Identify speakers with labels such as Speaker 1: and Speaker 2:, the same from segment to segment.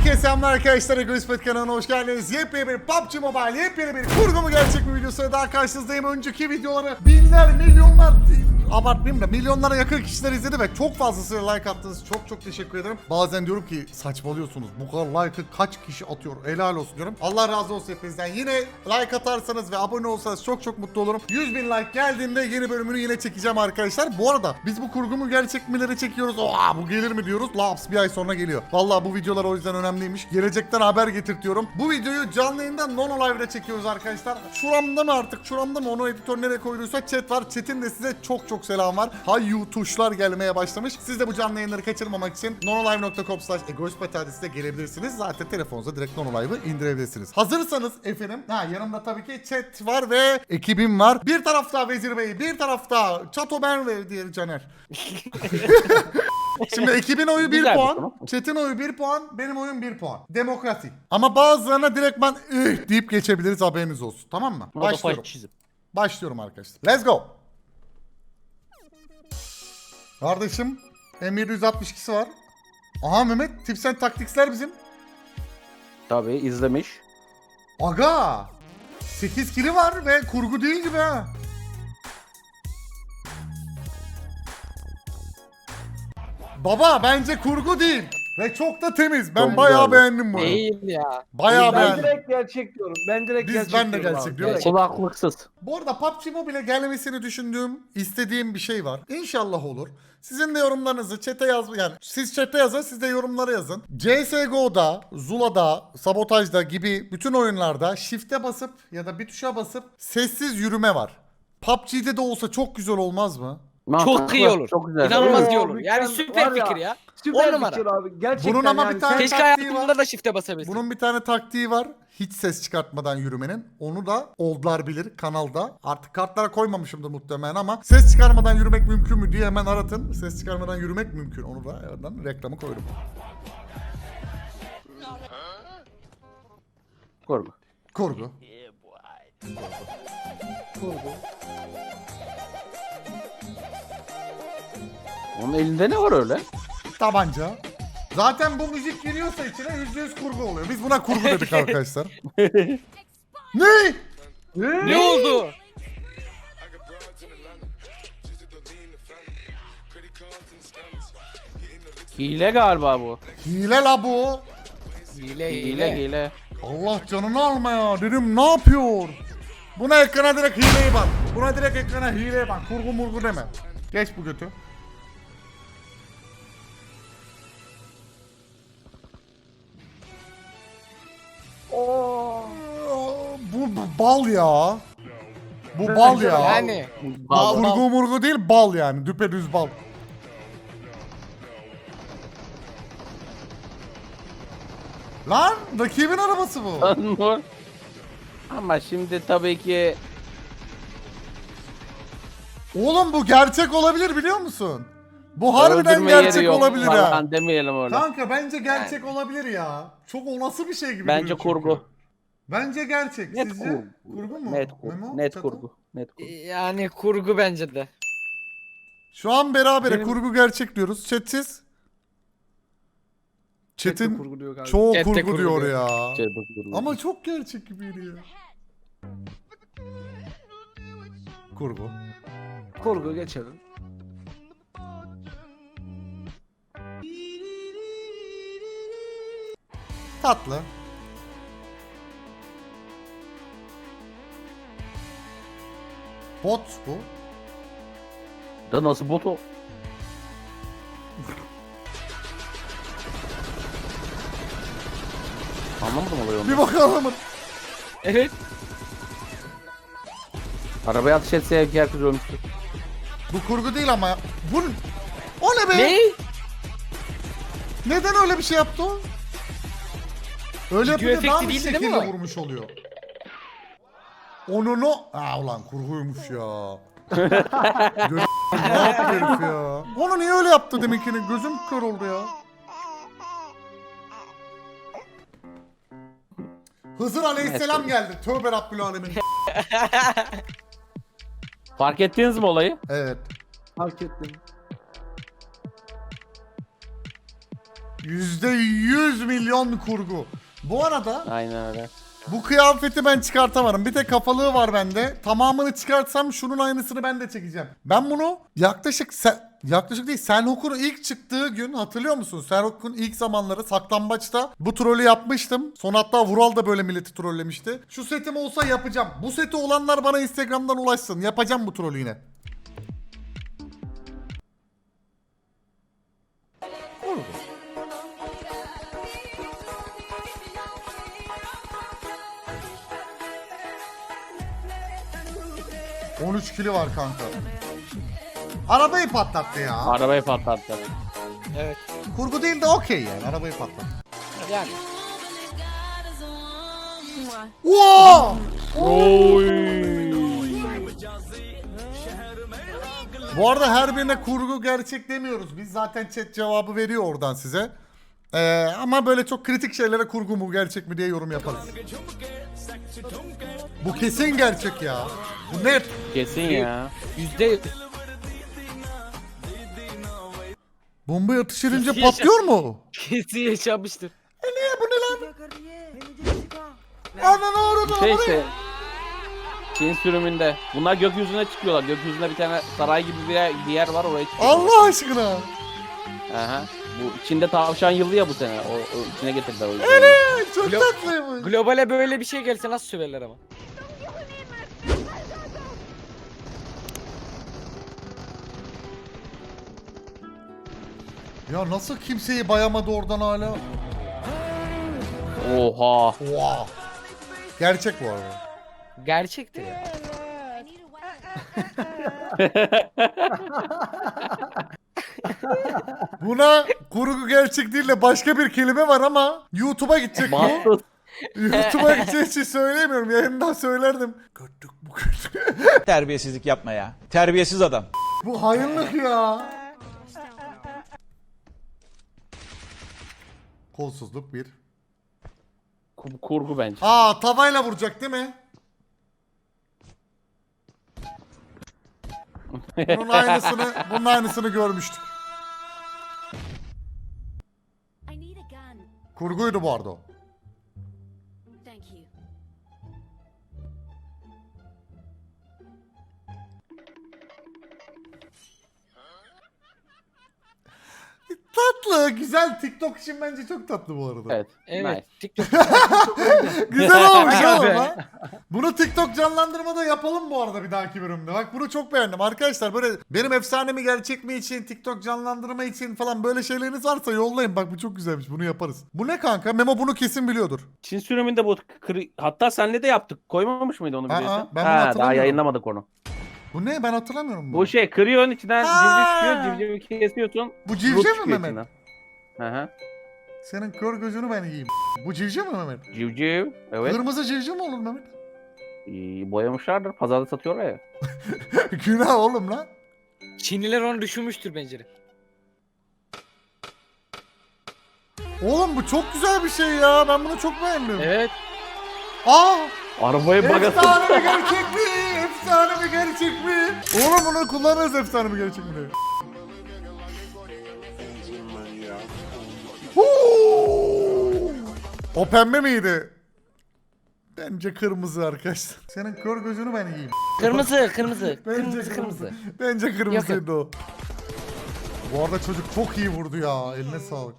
Speaker 1: Herkese selamlar arkadaşlar. Egoist kanalına hoş geldiniz. Yepyeni bir PUBG Mobile, yepyeni bir kurgu mu gerçek mi videosuyla daha karşınızdayım. Önceki videoları binler, milyonlar, abartmayayım da milyonlara yakın kişiler izledi ve çok fazlasıyla like attınız. Çok teşekkür ederim. Bazen diyorum ki saçmalıyorsunuz. Bu kadar like'ı kaç kişi atıyor? Helal olsun diyorum. Allah razı olsun hepinizden. Yine like atarsanız ve abone olsanız çok mutlu olurum. 100.000 like geldiğinde yeni bölümünü yine çekeceğim arkadaşlar. Bu arada biz bu kurgu mu gerçek mileri çekiyoruz. Oha bu gelir mi diyoruz. Laps bir ay sonra geliyor. Vallahi bu videolar o yüzden önemliymiş. Gelecekten haber getirtiyorum. Bu videoyu canlı yayından Nono Live'da çekiyoruz arkadaşlar. Şuramda mı artık? Şuramda mı? Onu editör nereye koyduysa chat var. Chat'in de size çok selam var. Hayyu tuşlar gelmeye başlamış. Siz de bu canlı yayınları kaçırmamak için nonolive.com/egoistpati adresine gelebilirsiniz. Zaten telefonunuza direkt Nono Live'ı indirebilirsiniz. Hazırsanız efendim. Yanımda tabii ki chat var ve ekibim var. Bir tarafta Vezir Bey, bir tarafta Çato Ben ve diğer Caner. Şimdi ekibin oyu 1 puan, chat'in oyu 1 puan, benim oyum 1 puan. Demokrasi. Ama bazılarına direkt ben deyip geçebiliriz, haberiniz olsun. Tamam mı? Başlıyorum. Başlıyorum arkadaşlar. Let's go. Kardeşim M762'si var. Aha Mehmet, Tips and Tactics'ler bizim.
Speaker 2: Tabii izlemiş.
Speaker 1: Aga 8 kili var ve kurgu değil gibi ha. Baba bence kurgu değil. Ve çok da temiz. Ben
Speaker 2: Çok
Speaker 1: bayağı
Speaker 2: güzel.
Speaker 1: beğendim bunu.
Speaker 3: Değil ya.
Speaker 1: Bayağı
Speaker 4: Ben
Speaker 1: beğendim.
Speaker 4: direkt gerçek diyorum. Ben direkt gerçek
Speaker 1: Ben de
Speaker 4: diyorum
Speaker 1: gerçek
Speaker 4: abi.
Speaker 1: diyorum.
Speaker 2: Kulaklıksız.
Speaker 1: Bu arada PUBG Mobile'e gelmesini düşündüğüm, istediğim bir şey var. İnşallah olur. Sizin de yorumlarınızı chat'e yani siz chat'e yazın, siz de yorumlara yazın. CSGO'da, Zula'da, Sabotaj'da gibi bütün oyunlarda shift'e basıp ya da bir tuşa basıp sessiz yürüme var. PUBG'de de olsa çok güzel olmaz mı?
Speaker 3: Çok iyi olur.
Speaker 2: Çok güzel.
Speaker 3: İnanılmaz iyi
Speaker 4: Oo,
Speaker 3: olur. Yani
Speaker 4: mükemmel.
Speaker 3: süper
Speaker 4: Var ya,
Speaker 3: fikir ya.
Speaker 4: Süper
Speaker 3: 10 numara.
Speaker 4: fikir abi. Gerçekten
Speaker 1: Bunun ama
Speaker 4: yani
Speaker 1: bir tane
Speaker 3: Keşke
Speaker 1: taktiği
Speaker 3: hayatımda
Speaker 1: var.
Speaker 3: da shift'e basabilsin.
Speaker 1: Bunun bir tane taktiği var. Hiç ses çıkartmadan yürümenin. Onu da oldlar bilir kanalda. Artık kartlara koymamışımdır muhtemelen ama ses çıkarmadan yürümek mümkün mü diye hemen aratın. Ses çıkarmadan yürümek mümkün. Onu da oradan reklamı koydum.
Speaker 2: Korku.
Speaker 1: Kurgu.
Speaker 2: Onun elinde ne var öyle?
Speaker 1: Tabanca. Zaten bu müzik giriyorsa içine %100 kurgu oluyor. Biz buna kurgu dedik arkadaşlar. Ne?
Speaker 3: Ne oldu?
Speaker 2: Hile galiba bu.
Speaker 1: Hile la bu.
Speaker 2: Hile.
Speaker 1: Allah canını alma ya. Dedim ne yapıyor? Buna ekrana direkt hileye bak. Buna direkt ekrana hileye bak. Kurgu murgu deme. Geç bu götü. Bu bal ya. Bu bal ya.
Speaker 3: Yani.
Speaker 2: Bal.
Speaker 1: Kurgu murgu değil, bal yani. Düpedüz bal. Lan rakibin arabası bu.
Speaker 2: Ama şimdi tabii ki
Speaker 1: Oğlum bu gerçek olabilir biliyor musun? Bu harbiden
Speaker 2: öldürme yeri
Speaker 1: gerçek
Speaker 2: yok
Speaker 1: olabilir ha.
Speaker 2: falan demeyelim öyle.
Speaker 1: Kanka bence gerçek olabilir ya. Çok olası bir şey gibi
Speaker 2: Bence
Speaker 1: duruyor çünkü.
Speaker 2: kurgu.
Speaker 1: Bence gerçek.
Speaker 2: Net
Speaker 1: Sizce?
Speaker 2: kurgu.
Speaker 1: Kurgu mu?
Speaker 2: Net
Speaker 1: Memo,
Speaker 2: kurgu. Net
Speaker 1: Çato?
Speaker 2: kurgu. Net kurgu.
Speaker 3: Yani kurgu bence de.
Speaker 1: Şu an berabere
Speaker 4: Benim-
Speaker 1: kurgu gerçek diyoruz. Chatsiz. Chat'in
Speaker 4: kurgu diyor galiba.
Speaker 1: çoğu
Speaker 3: Chat'te
Speaker 1: kurgu
Speaker 3: kurgu
Speaker 1: diyor
Speaker 3: diyor.
Speaker 1: ya.
Speaker 2: Şey, kurgu.
Speaker 1: Ama çok gerçek gibiydi ya. Kurgu.
Speaker 4: Kurgu geçelim.
Speaker 1: Tatlı. Bot bu.
Speaker 2: Da nasıl bot o? Anlamadım olayı onu.
Speaker 1: Bir bakalım.
Speaker 3: Evet.
Speaker 2: Arabaya ateş etse herkes ölmüştü.
Speaker 1: Bu kurgu değil ama. Bu o ne be?
Speaker 3: Ne?
Speaker 1: Neden öyle bir şey yaptı o? Öyle
Speaker 3: Video
Speaker 1: yapınca daha
Speaker 3: efekti
Speaker 1: bir
Speaker 3: değildi değil
Speaker 1: şekilde
Speaker 3: mi o?
Speaker 1: vurmuş oluyor. Onu ulan kurguymuş ya. Ne yaptı herif ya? Onu niye öyle yaptı deminkini? Gözüm kör oldu ya. Hızır Aleyhisselam geldi. Tövbe Rabbül Alemin.
Speaker 2: Fark ettiniz mi olayı?
Speaker 1: Evet.
Speaker 4: Fark ettim.
Speaker 1: %100 milyon kurgu. Bu arada
Speaker 2: Aynen öyle.
Speaker 1: bu kıyafeti ben çıkartamadım. Bir tek kafalığı var bende. Tamamını çıkartsam şunun aynısını ben de çekeceğim. Ben bunu yaklaşık değil, Senhok'un ilk çıktığı gün hatırlıyor musun? Senhok'un ilk zamanları saklambaçta bu trolü yapmıştım. Son hatta Vural da böyle milleti trollemişti. Şu setim olsa yapacağım. Bu seti olanlar bana Instagram'dan ulaşsın. Yapacağım bu trolü yine. 13 kili var kanka. Arabayı patlattı ya.
Speaker 2: Arabayı patlattı.
Speaker 3: Evet.
Speaker 1: Kurgu değil de okey yani. Arabayı patlattı.
Speaker 3: Yani.
Speaker 1: Wow!
Speaker 2: Oy.
Speaker 1: Bu arada her birine kurgu gerçek demiyoruz. Biz zaten chat cevabı veriyor oradan size. Ama böyle çok kritik şeylere kurgu mu gerçek mi diye yorum yaparız. Bu kesin gerçek ya. Bu net.
Speaker 2: Kesin ya.
Speaker 3: %100.
Speaker 1: Bombayı atış edince
Speaker 3: Kesin
Speaker 1: patlıyor mu?
Speaker 3: Kesin yaşamıştır.
Speaker 1: Niye bu ne lan? Ananı ağrıdı.
Speaker 2: Şey işte. Çin sürümünde. Bunlar gökyüzüne çıkıyorlar. Gökyüzünde bir tane saray gibi bir yer var, oraya çıkıyor.
Speaker 1: Allah aşkına.
Speaker 2: Aha. Bu içinde tavşan yılı ya bu sene. O içine getirdiler o yüzden.
Speaker 1: Çok
Speaker 3: Glo-
Speaker 1: tatlıymış.
Speaker 3: Globale böyle bir şey gelse nasıl söverler ama.
Speaker 1: Ya nasıl kimseyi bayamadı oradan hala?
Speaker 2: Oha.
Speaker 1: Wow. Gerçek bu arada.
Speaker 3: Gerçektir ya.
Speaker 1: Buna kurgu gerçek değil de başka bir kelime var ama YouTube'a gidecek bu.
Speaker 2: Mahsus.
Speaker 1: YouTube'a gideceği için söyleyemiyorum. Yayından söylerdim. Gördük bu kötü.
Speaker 5: Terbiyesizlik yapma ya. Terbiyesiz adam.
Speaker 1: Bu hayırlık ya. Kolsuzluk bir.
Speaker 2: Kurgu bence.
Speaker 1: Aa, tavayla vuracak değil mi? Bunun aynısını görmüştük.
Speaker 6: I need a gun.
Speaker 1: Kurguydu bu arada o.
Speaker 6: Thank you.
Speaker 1: Tatlı, güzel. TikTok için bence çok tatlı bu arada.
Speaker 2: Evet.
Speaker 3: Evet.
Speaker 2: Nice.
Speaker 3: TikTok.
Speaker 1: Güzel olmuş
Speaker 3: Aga
Speaker 1: oğlum
Speaker 3: be.
Speaker 1: lan. Bunu TikTok canlandırmada yapalım bu arada bir dahaki bölümde. Bak bunu çok beğendim arkadaşlar. Böyle benim efsanemi gerçek mi için, TikTok canlandırma için falan böyle şeyleriniz varsa yollayın. Bak bu çok güzelmiş. Bunu yaparız. Bu ne kanka? Memo bunu kesin biliyordur.
Speaker 2: Çin sürümünde bu hatta senle de yaptık. Koymamış mıydı onu
Speaker 1: Aa,
Speaker 2: biliyorsun?
Speaker 1: ben bunu
Speaker 2: Ha, daha
Speaker 1: hatırlamıyorum.
Speaker 2: yayınlamadık onu.
Speaker 1: Bu ne? Ben hatırlamıyorum bunu.
Speaker 2: Bu şey kırıyorsun, içinden
Speaker 1: Ha!
Speaker 2: civciv çıkıyor, civcivi kesiyorsun.
Speaker 1: Bu
Speaker 2: Ruh
Speaker 1: civciv mi
Speaker 2: çıkıyor
Speaker 1: Mehmet?
Speaker 2: içinden. Hı hı.
Speaker 1: Senin kör gözünü ben yiyeyim. Bu civciv mi Mehmet?
Speaker 2: Civciv. Evet.
Speaker 1: Kırmızı civciv mi olur Mehmet?
Speaker 2: Boyamışlardır. Pazarda satıyorlar ya.
Speaker 1: Günah oğlum lan.
Speaker 3: Çinliler onu düşünmüştür bence de.
Speaker 1: Oğlum bu çok güzel bir şey ya. Ben bunu çok beğendim.
Speaker 3: Evet.
Speaker 1: Aa!
Speaker 2: Arabayı bagası.
Speaker 1: Efsane mi gerçek mi? Efsane mi gerçek mi? Oğlum bunu kullanırız efsane mi gerçek mi diye. Huu! O pembe miydi? Bence kırmızı arkadaşlar. Senin kör gözünü ben yiyeyim.
Speaker 3: Kırmızı, kırmızı.
Speaker 1: Bence
Speaker 3: Kırmızı, kırmızı.
Speaker 1: Bence kırmızıydı o. Bu arada çocuk çok iyi vurdu ya. Eline sağlık.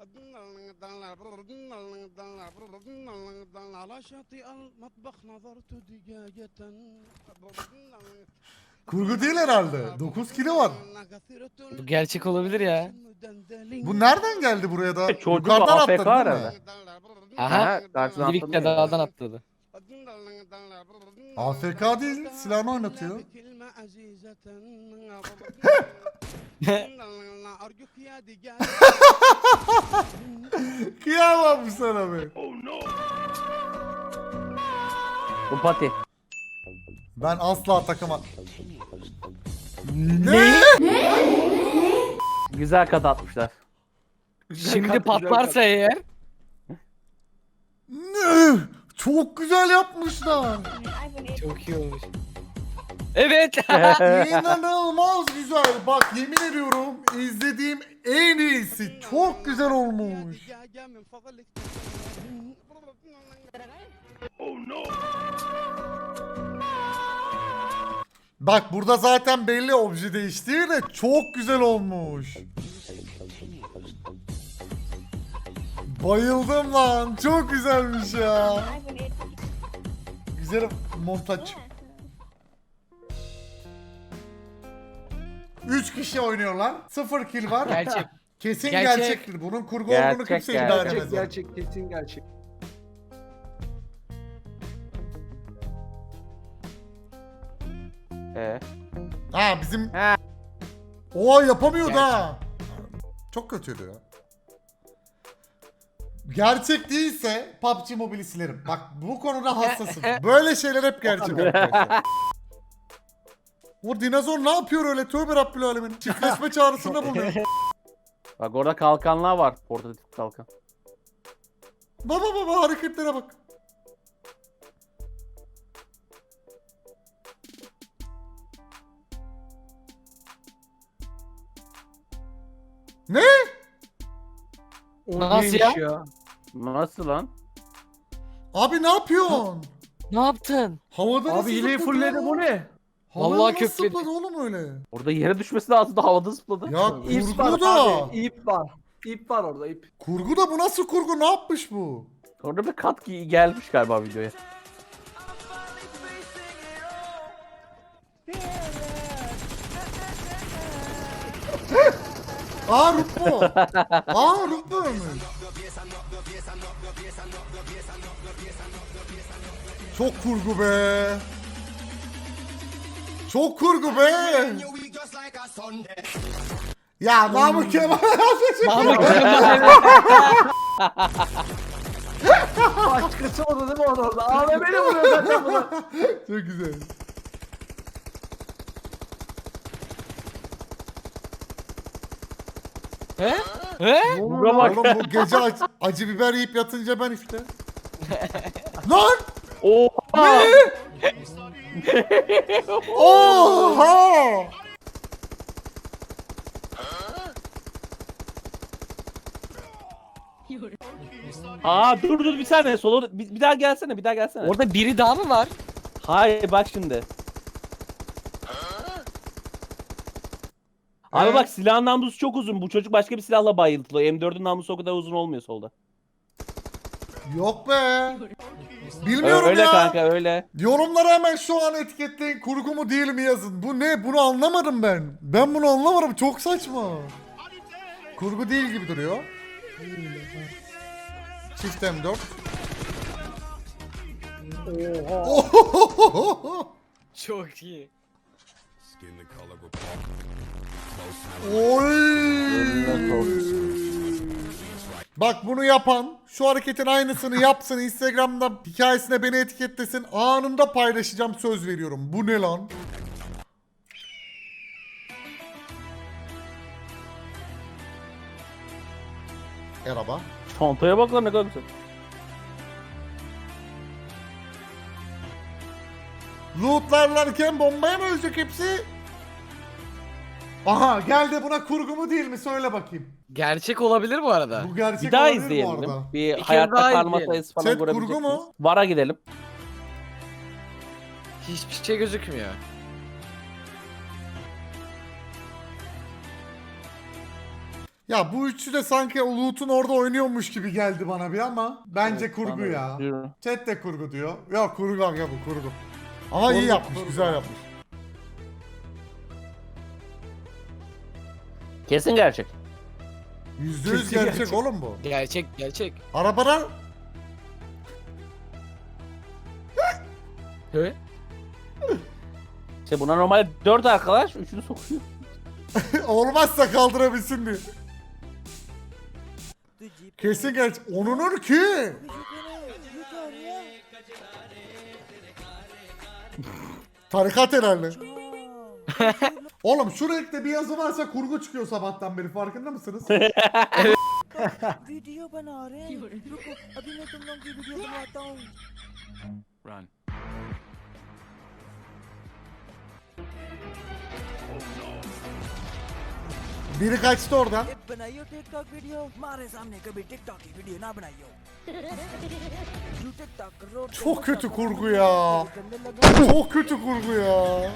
Speaker 1: Kurgu değil herhalde. 9 kilo var.
Speaker 3: Bu gerçek olabilir ya.
Speaker 1: Bu nereden geldi buraya da?
Speaker 2: Çocuk
Speaker 1: Yukarıdan
Speaker 2: AFK
Speaker 1: atladı değil mi?
Speaker 2: herhalde.
Speaker 3: Aha.
Speaker 2: Karşıdan
Speaker 3: Livik'te
Speaker 2: atladı ya.
Speaker 3: dağdan atladı.
Speaker 1: AFK değil, silahını oynatıyor. Kıyamam sana be.
Speaker 2: Bu pati.
Speaker 1: Ben asla takıma... Ne?
Speaker 2: Güzel kat atmışlar.
Speaker 3: Şimdi patlarsa eğer.
Speaker 1: Ne? Çok güzel yapmışlar.
Speaker 3: Çok iyi olmuş. Evet.
Speaker 1: İnanılmaz güzel. Bak yemin ediyorum izlediğim en iyisi. Çok güzel olmuş. Bak burada zaten belli obje değiştiği de çok güzel olmuş. Bayıldım lan. Çok güzelmiş ya. Güzel montaj. 3 kişi oynuyorlar. 0 kill var.
Speaker 3: Gerçek.
Speaker 1: Kesin
Speaker 3: Gerçek.
Speaker 1: gerçektir. Bunun kurgu olduğunu
Speaker 2: Gerçek,
Speaker 1: kimse
Speaker 2: gerçek.
Speaker 1: iddia
Speaker 4: Gerçek
Speaker 1: edemez.
Speaker 4: gerçek kesin gerçek.
Speaker 1: Ha bizim...
Speaker 2: He.
Speaker 1: Oo yapamıyordu
Speaker 3: Gerçek.
Speaker 1: ha. Çok kötüydü ya. Gerçek değilse PUBG Mobile'i silerim. Bak bu konuda hassasım. Böyle şeyler hep gerçek arkadaşlar. O dinozor ne yapıyor öyle? Tövbe Rabbil Alemin. Çiftleşme çağrısında bulunuyor.
Speaker 2: Bak orada kalkanlar var. Portatif kalkan.
Speaker 1: Baba baba hareketlere bak. Ne?
Speaker 4: O
Speaker 3: Nasıl
Speaker 4: neymiş
Speaker 3: ya?
Speaker 2: Nasıl lan?
Speaker 1: Abi ne yapıyorsun?
Speaker 3: Ne yaptın?
Speaker 1: Havada nasıl
Speaker 4: Abi hileyi
Speaker 1: zıpladı
Speaker 4: fulledi
Speaker 1: ya?
Speaker 4: bu ne?
Speaker 1: Havada
Speaker 3: Vallahi
Speaker 1: nasıl
Speaker 3: kökledi.
Speaker 1: zıpladı oğlum öyle?
Speaker 2: Orada yere düşmesi lazım da havada zıpladı.
Speaker 1: Ya
Speaker 4: İp var
Speaker 1: kurgu da.
Speaker 4: abi. İp var. İp var orada ip.
Speaker 1: Kurgu da bu nasıl kurgu? Ne yapmış bu?
Speaker 2: Orada bir kat gelmiş galiba videoya.
Speaker 1: Aa Rutbu. Aa Rutbu ölmüş. Çok kurgu be. Çok kurgu be. Ya Namık Kemal.
Speaker 3: Mahmut Kemal.
Speaker 4: Başkası oldu değil mi orada? AVM'li vuruyor zaten bunu.
Speaker 1: Çok güzel.
Speaker 3: He? He?
Speaker 2: Buna bak.
Speaker 1: Oğlum bu gece acı biber yiyip yatınca ben işte. Lan!
Speaker 2: Oha!
Speaker 1: Oha!
Speaker 2: Aa dur bir saniye solo bir daha gelsene bir daha gelsene.
Speaker 3: Orada biri daha mı var?
Speaker 2: Hayır bak şimdi. Abi bak silahın namlusu çok uzun. Bu çocuk başka bir silahla bayıltılıyor. M4'ün namlusu o kadar uzun olmuyor solda.
Speaker 1: Yok be. Bilmiyorum
Speaker 2: Öyle
Speaker 1: ya.
Speaker 2: kanka öyle.
Speaker 1: Yorumlara hemen şu an etiketleyin. Kurgu mu değil mi yazın. Bu ne? Bunu anlamadım ben. Ben bunu anlamadım. Çok saçma. Kurgu değil gibi duruyor. Çift M4. Oha.
Speaker 3: Çok iyi.
Speaker 1: Oy. Bak bunu yapan şu hareketin aynısını yapsın, Instagram'da hikayesine beni etiketlesin, anında paylaşacağım, söz veriyorum. Bu ne lan? Araba.
Speaker 2: Çantaya bak lan ne kadar güzel.
Speaker 1: Lootlarlarken bombaya mı ölecek hepsi? Aha geldi, buna kurgu mu değil mi söyle bakayım.
Speaker 3: Gerçek olabilir bu arada.
Speaker 1: Bu gerçek
Speaker 2: Bir daha
Speaker 1: olabilir bu
Speaker 2: izleyelim.
Speaker 1: arada.
Speaker 2: Bir
Speaker 3: kere
Speaker 2: hayatta
Speaker 3: daha
Speaker 2: kalma
Speaker 3: izleyelim.
Speaker 2: sayısı falan
Speaker 1: Chat,
Speaker 2: görebilecek
Speaker 1: kurgu mu?
Speaker 2: miyiz? Vara gidelim.
Speaker 3: Hiçbir şey gözükmüyor.
Speaker 1: Ya bu üçü de sanki o loot'un orada oynuyormuş gibi geldi bana bir ama bence
Speaker 2: Evet,
Speaker 1: kurgu
Speaker 2: bana
Speaker 1: ya.
Speaker 2: yürü.
Speaker 1: Chat de kurgu diyor. Ya kurgu ya bu kurgu. Ama iyi yapmış, güzel yapmış.
Speaker 2: Kesin gerçek.
Speaker 1: %100
Speaker 4: Kesin
Speaker 1: gerçek,
Speaker 4: gerçek.
Speaker 1: oğlum bu.
Speaker 3: Gerçek.
Speaker 1: Arabadan
Speaker 3: He?
Speaker 2: İşte buna normal 4 arkadaş 3'ünü sokuyor.
Speaker 1: olmazsa kaldırabilsin diye. Kesin gerçek. Onunur ki. Tarikat herhalde. Oğlum şu renkte bir yazı varsa kurgu çıkıyor sabahtan beri, farkında mısınız?
Speaker 7: Video बना रहे हैं रुको अभी मैं तुम लोगों की वीडियो बनाता हूँ
Speaker 1: Biri kaçtı oradan.
Speaker 7: बनाइयो टिकटॉक वीडियो हमारे सामने कभी टिकटॉक की वीडियो ना बनाइयो You TikTok करो,
Speaker 1: Çok kötü kurgu ya.
Speaker 7: करने लगे
Speaker 1: Çok kötü kurgu ya.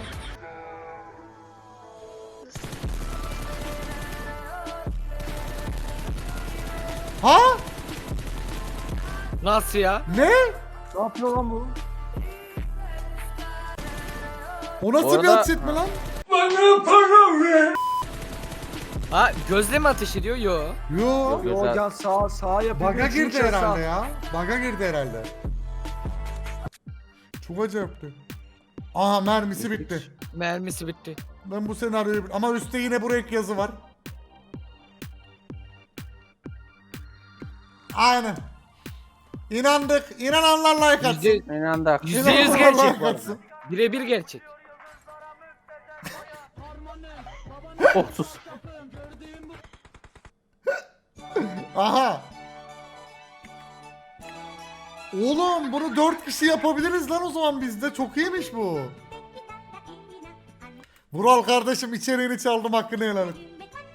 Speaker 1: Ha?
Speaker 3: Nasıl ya?
Speaker 1: Ne?
Speaker 4: Ne yapıyor lan bu?
Speaker 1: O nasıl
Speaker 2: Bu
Speaker 1: bir
Speaker 2: arada-
Speaker 1: atış etme lan?
Speaker 3: Ha gözle mi ateş ediyor? Yo.
Speaker 1: Yo.
Speaker 2: Yok.
Speaker 4: Yo
Speaker 2: Güzel.
Speaker 4: can sağa yapıyor.
Speaker 1: Baga
Speaker 4: Üçüncü
Speaker 1: girdi
Speaker 4: kez
Speaker 1: herhalde
Speaker 4: sağ.
Speaker 1: ya. Baga girdi herhalde. Çok acayipti. Aha mermisi bitti.
Speaker 3: Mermisi bitti.
Speaker 1: Ben bu senaryoyu... Ama üstte yine bu renk yazı var. Aynen. İnandık. İnananlar like atsın.
Speaker 3: Yüzde,
Speaker 2: İnandık.
Speaker 3: %100
Speaker 1: İnananlar
Speaker 3: gerçek
Speaker 1: like
Speaker 3: bu arada.
Speaker 1: atsın.
Speaker 3: Birebir gerçek.
Speaker 2: 30.
Speaker 1: Aha. Oğlum bunu 4 kişi yapabiliriz lan o zaman bizde. Çok iyiymiş bu. Vural kardeşim içeriğini çaldım, hakkını helal et.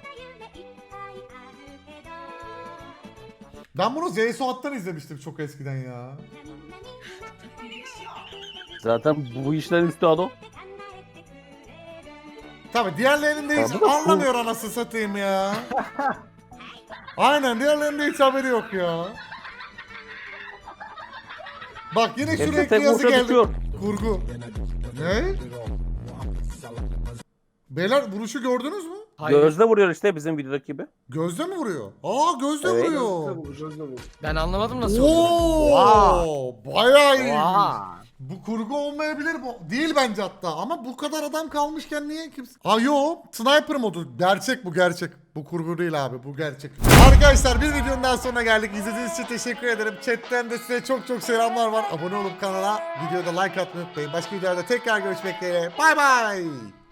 Speaker 1: Ben bunu Zeysuat'tan izlemiştim çok eskiden ya.
Speaker 2: Zaten bu işlerin üstadı o.
Speaker 1: Tabi diğerlerinde hiç
Speaker 2: Tabii de
Speaker 1: anlamıyor anasını satayım ya. Aynen diğerlerinde hiç haberi yok ya. Bak yine
Speaker 2: Hepsi
Speaker 1: sürekli
Speaker 2: tek
Speaker 1: yazı
Speaker 2: vuruşa
Speaker 1: geldi.
Speaker 2: bitiyor.
Speaker 1: Kurgu. Ne? Beyler vuruşu gördünüz mü?
Speaker 3: Hayır.
Speaker 2: Gözle vuruyor işte bizim videodaki gibi.
Speaker 1: Gözde mi vuruyor? Aa gözde
Speaker 2: Evet.
Speaker 1: vuruyor.
Speaker 3: Ben anlamadım nasıl oluyor.
Speaker 1: Oo, bayağı iyi.
Speaker 3: Oha.
Speaker 1: Bu kurgu olmayabilir bu. Değil bence hatta ama bu kadar adam kalmışken niye kimse... Aa yo, sniper modu. Gerçek bu, gerçek. Bu kurgu değil abi, bu gerçek. Arkadaşlar bir videonun daha sonuna geldik. İzlediğiniz için teşekkür ederim. Chatten de size çok çok selamlar var. Abone olup kanala, videoda like atmayı unutmayın. Başka videolarda tekrar görüşmek dileğiyle. Bay bay.